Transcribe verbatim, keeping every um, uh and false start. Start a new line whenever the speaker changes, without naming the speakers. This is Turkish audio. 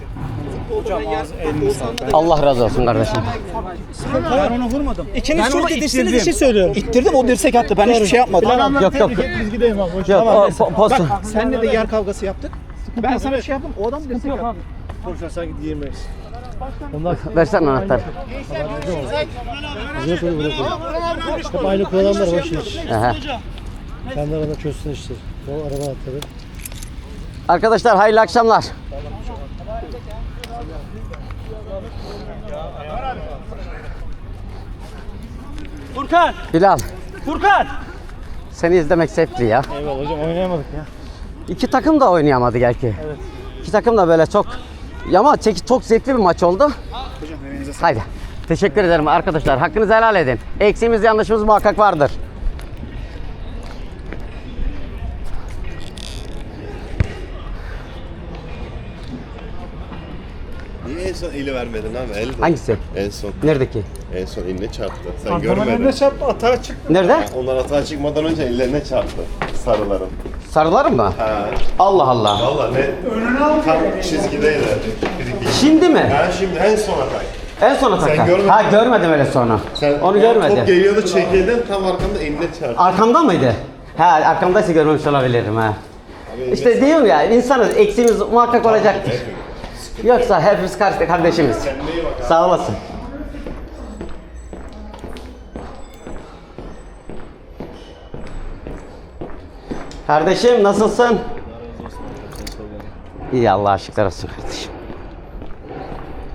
Hocam elini sağlık.
Allah razı olsun kardeşim.
Ben onu vurmadım.
İkiniz
Ben
çok
onu
yetiştiğiniz
ittirdim.
için söylüyorum.
İttirdim, o dirsek attı. Ben hiçbir şey yapmadım.
Yok yok.
Biz gidelim abi. Hoş
Yok
Tamam,
o
neyse.
po- posta.
Bak senle de yer kavgası yaptık. Ben sana bir şey yaptım, o adam dirsek attı.
Konuşan sanki diyemeyiz.
Versene anahtarı.
Bize koyu bırakın. Hep aynı kullananlar boş iş.
Aha.
Kendi arada çözsün işte. O araba atladı.
Arkadaşlar hayırlı akşamlar.
Furkan!
Bilal,
Furkan!
seni izlemek zevkli ya.
Eyvallah hocam oynayamadık ya.
İki takım da oynayamadı gerçi. Evet. İki takım da böyle çok ama çek- çok zevkli bir maç oldu. Haydi. Teşekkür ederim arkadaşlar. Hakkınızı helal edin. Eksiğimiz yanlışımız muhakkak vardır.
Niye en son eli vermedin abi? El de.
Hangisi?
En son.
Neredeki?
En son eline çarptı. Sen
Antrenman
görmedin.
eline çarptı atağa çıktı.
Nerede?
Onlar atağa çıkmadan önce ellerine çarptı. Sarıların.
Sarılar mı?
Ha.
Allah Allah.
Valla ne? Tam çizgideydi. Bir iki.
Şimdi mi?
Ha şimdi en son atak.
En sona takar.
görmedin
Ha
mi?
görmedim öyle sonra.
Sen
Onu
Top
görmedim.
geliyordu çekildin tam arkanda eline çarptı.
Arkamda mıydı? Ha arkamdaysa görmemiş olabilirim ha. İşte diyorum ya insanız eksiğimiz muhakkak olacaktır. Yoksa hepimiz karşı kardeşimiz.
Kendine iyi bak abi.
Sağ olasın. Kardeşim nasılsın? İyi Allah'a şükürler olsun kardeşim.